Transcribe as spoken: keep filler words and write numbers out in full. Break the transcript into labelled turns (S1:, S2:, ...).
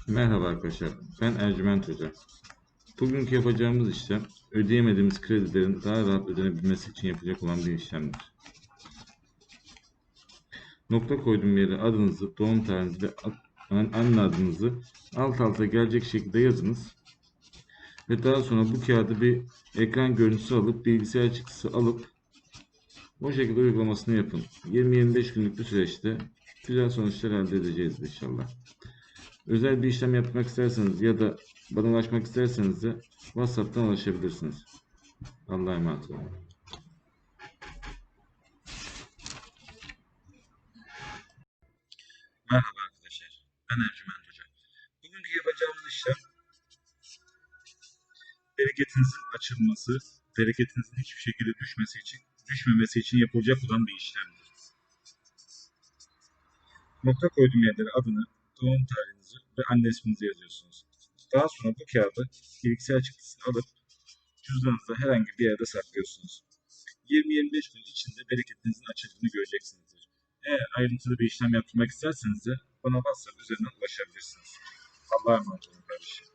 S1: Merhaba arkadaşlar, ben Ercüment Hoca. Bugünkü yapacağımız işlem, ödeyemediğimiz kredilerin daha rahat ödenebilmesi için yapacak olan bir işlemdir. Nokta koyduğum yere adınızı, doğum tarihinizi ve anne adınızı alt alta gelecek şekilde yazınız. Ve daha sonra bu kağıdı bir ekran görüntüsü alıp, bilgisayar çıktısı alıp, o şekilde uygulamasını yapın. yirmi yirmi beş günlük bir süreçte güzel sonuçlar elde edeceğiz inşallah. Özel bir işlem yapmak isterseniz ya da bana ulaşmak isterseniz de WhatsApp'tan ulaşabilirsiniz. Allah'a emanet olun. Merhaba arkadaşlar. Ben Ercüment Hoca. Bugünkü yapacağımız işlem bereketinizin açılması, bereketinizin hiçbir şekilde düşmesi için, düşmemesi için yapılacak olan bir işlemdir. Nokta koyduğum yerlere adını, doğum tarihinizi ve anne isminizi yazıyorsunuz. Daha sonra bu kağıdı bilgisayar çıktısını alıp cüzdanınızda herhangi bir yerde saklıyorsunuz. yirmi yirmi beş gün içinde bereketinizin açıldığını göreceksinizdir. Eğer ayrıntılı bir işlem yapmak isterseniz de bana WhatsApp üzerinden ulaşabilirsiniz. Allah'a emanet olun kardeşim.